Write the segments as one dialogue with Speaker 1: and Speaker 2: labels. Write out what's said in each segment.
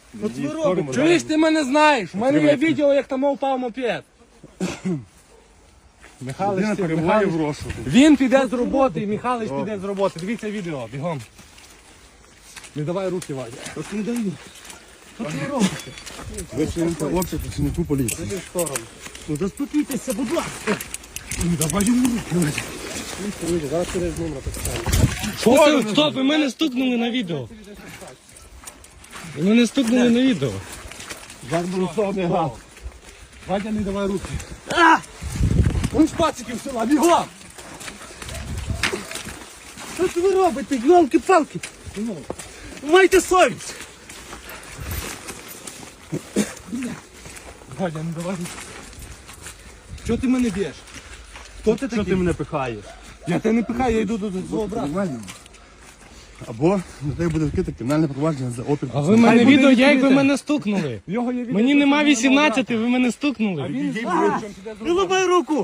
Speaker 1: От ви робите.
Speaker 2: Чуєш, ти мене знаєш? У мене є відео, як там впав мопед.
Speaker 1: Людина перебуває в розшуку.
Speaker 2: Він піде з роботи, і Михайлович піде з роботи. Дивіться відео, бігом. Не давай руки, Вадя.
Speaker 1: От не даю. От ви робите. Ви чините обшук працівнику поліції.
Speaker 2: Іди в сторону.
Speaker 1: Ну заспокійтеся, будь ласка.
Speaker 2: Ну давай йому руки. Зараз через номер так.
Speaker 3: Стоп, ви мене стукнули на відео. Ви мене стукнули на відео.
Speaker 1: Зарборусовний газ.
Speaker 2: Вадя, не давай руки. Он з пациків села, бігом!
Speaker 1: Що ви робите, йолки-палки? Майте совість.
Speaker 2: Вадя, не давай руки. Чого ти мене б'єш? Хто ти
Speaker 1: Що
Speaker 2: такий?
Speaker 1: ти мене пихаєш?
Speaker 2: Я тебе не пихаю, я йду до свого брата.
Speaker 1: Нормально. Або на тебе буде відкрите кримінальне провадження за опір.
Speaker 3: А ви мене
Speaker 2: буде
Speaker 3: відео, як ви
Speaker 2: відкрите.
Speaker 3: мене стукнули.
Speaker 2: В Його є відео,
Speaker 3: Мені
Speaker 2: що
Speaker 3: нема
Speaker 2: ти мене
Speaker 3: 18,
Speaker 2: брата.
Speaker 3: ви мене стукнули.
Speaker 2: Він
Speaker 1: Відійди,
Speaker 2: знає,
Speaker 1: будь.
Speaker 2: чим піде з
Speaker 1: Не
Speaker 2: роботи.
Speaker 1: ламай руку!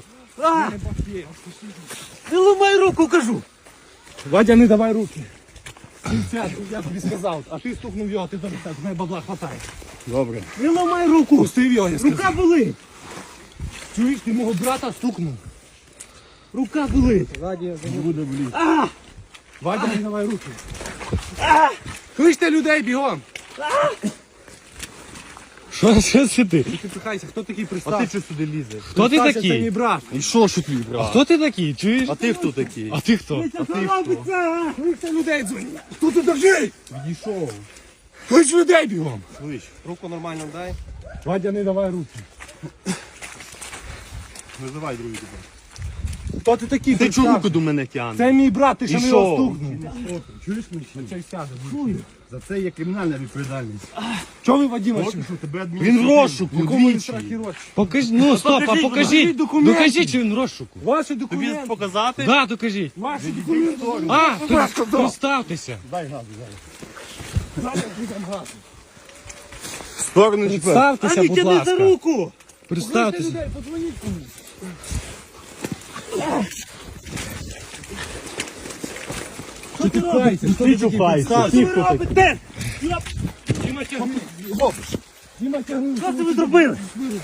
Speaker 1: Не ламай руку, кажу!
Speaker 2: Вадя, не давай руки. Сядь, я тобі сказав, а ти стукнув його, ти зараз з мене бабла хватає.
Speaker 1: Добре. Не ламай руку!
Speaker 2: Пустив його, я сказав.
Speaker 1: Рука болить!
Speaker 2: Чуєш, ти мого брата стукнув.
Speaker 1: Рука болить!
Speaker 2: Вадя,
Speaker 1: Не буде боліти.
Speaker 2: Вадя, не давай руки. Кличте людей бігом.
Speaker 3: Що це ти?
Speaker 2: Ти пихайся, хто такий
Speaker 1: А ти
Speaker 2: представ?
Speaker 1: що сюди лізеш?
Speaker 3: Хто ти
Speaker 2: Представся, Це мій
Speaker 3: такий?
Speaker 2: брат.
Speaker 1: І що ж твій брат?
Speaker 3: Хто ти такий? Чуєш?
Speaker 1: А ти хто такий?
Speaker 3: А ти хто?
Speaker 1: А ти хто?
Speaker 2: Кличте людей дзвоніть. Хто тут держи?
Speaker 1: Відійшов.
Speaker 2: Клич людей бігом.
Speaker 1: Слиш, руку нормально дай.
Speaker 2: Вадя, не давай руки.
Speaker 1: Визивай другий тебе.
Speaker 2: Хто ти такий?
Speaker 1: Ти чого
Speaker 2: Представ.
Speaker 1: руку до мене тягнеш?
Speaker 2: Це мій брат, ти що
Speaker 1: І
Speaker 2: не
Speaker 1: що?
Speaker 2: його стукнув.
Speaker 1: Чуєш мене?
Speaker 2: Цей сяде.
Speaker 1: За це є кримінальна відповідальність.
Speaker 2: Чого ви, Вадима?
Speaker 1: Поки що тебе
Speaker 3: Він в розшуку.
Speaker 2: Якому він страхі рочі?
Speaker 3: Покажіть, ну стоп, а
Speaker 1: покажіть,
Speaker 3: покажіть.
Speaker 2: покажіть документи.
Speaker 3: Докажіть, що він в розшуку.
Speaker 2: Ваші
Speaker 1: Тобі
Speaker 2: документи.
Speaker 1: показати?
Speaker 3: Да, докажіть.
Speaker 2: Ваші документи.
Speaker 3: А, представтеся.
Speaker 1: Дай газу, дай.
Speaker 2: Зараз підемо газу.
Speaker 1: Сторону чіпер.
Speaker 3: Представтеся, будь ласка.
Speaker 1: руку!
Speaker 2: Кличте
Speaker 3: Представтеся.
Speaker 2: людей, подзвоніть комусь.
Speaker 1: Що ти робиш?
Speaker 2: Хто
Speaker 1: Ти
Speaker 2: такий?
Speaker 1: чухайся.
Speaker 2: Представся.
Speaker 1: Ти хто такий?
Speaker 2: робите? Діма, тягни. Діма, тягни.
Speaker 1: Що це ви зробили?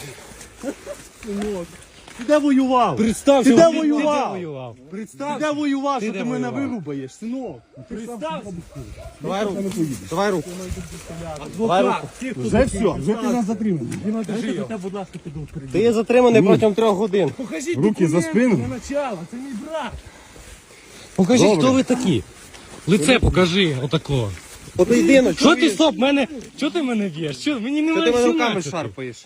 Speaker 1: Ти де воював?
Speaker 2: Представся.
Speaker 1: Ти де
Speaker 2: Ти
Speaker 1: воював?
Speaker 3: Воював.
Speaker 1: Ти
Speaker 2: Представся.
Speaker 1: де воював, що
Speaker 3: де
Speaker 1: ти мене
Speaker 3: воював?
Speaker 1: вирубаєш, синок?
Speaker 2: Представся.
Speaker 3: Давай руку. Давай руку.
Speaker 2: Адвокат. Ті, хто
Speaker 1: Вже все, вже ти нас затриманий.
Speaker 2: Діма, держи його.
Speaker 1: будь ласка, піду вперед.
Speaker 3: Ти є затриманий протягом 3 годин.
Speaker 2: Покажіть
Speaker 1: Руки за
Speaker 2: документи
Speaker 1: спину.
Speaker 2: на начало. Це мій брат.
Speaker 3: Покажіть,
Speaker 1: Добре.
Speaker 3: хто ви такі. Лице покажи, отако.
Speaker 1: Поєдинок.
Speaker 3: Що ти, стоп, мене, що ти мене б'єш? Що, мені немає 17.
Speaker 1: шарпаєш?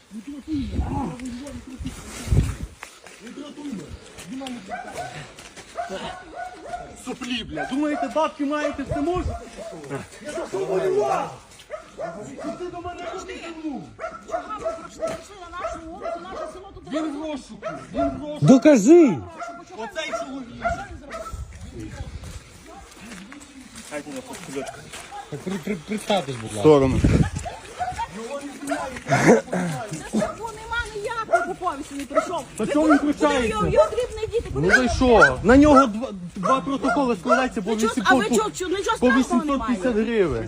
Speaker 1: Суплі, бля. Думаєте, бабки маєте, все можете? Я за що воював? Ти до мене прийшли
Speaker 4: на нашу вулицю, наше село тут.
Speaker 1: Він в розшуку. Він в розшуку.
Speaker 3: Докажи.
Speaker 1: Оцей чоловік.
Speaker 3: Представтесь, будь ласка.
Speaker 1: Сторону.
Speaker 4: Бо нема ніякого по повісті не прийшов.
Speaker 1: Та чого він включається?
Speaker 4: Його дрібні діти.
Speaker 1: Ну за що? На нього два протоколи складаються по
Speaker 4: А ви
Speaker 1: 800
Speaker 4: чого, нічого
Speaker 1: по
Speaker 4: страшного
Speaker 1: 850
Speaker 4: немає?
Speaker 1: гривень.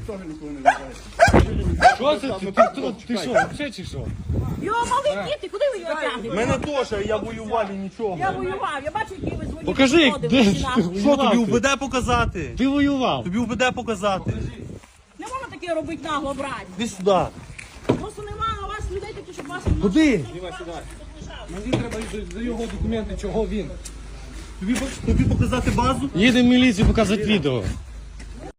Speaker 3: Що це? Ти що, взагалі чи що?
Speaker 4: Його мали діти, куди ви його тягнете?
Speaker 1: Мене теж, я воював і нічого.
Speaker 4: Я воював, я бачу, які ви дзвонили.
Speaker 3: Покажи, де ж ти
Speaker 1: Що тобі
Speaker 3: воював?
Speaker 1: УБД показати?
Speaker 3: Ти воював.
Speaker 1: Тобі УБД показати.
Speaker 4: Не можна таке робити нагло, брати.
Speaker 1: Іди сюди.
Speaker 4: Просто немає у вас людей таких, щоб вас...
Speaker 1: Куди?
Speaker 2: Мені треба за його документи, чого він.
Speaker 1: Тобі показати базу?
Speaker 3: Їдемо в міліцію показати відео.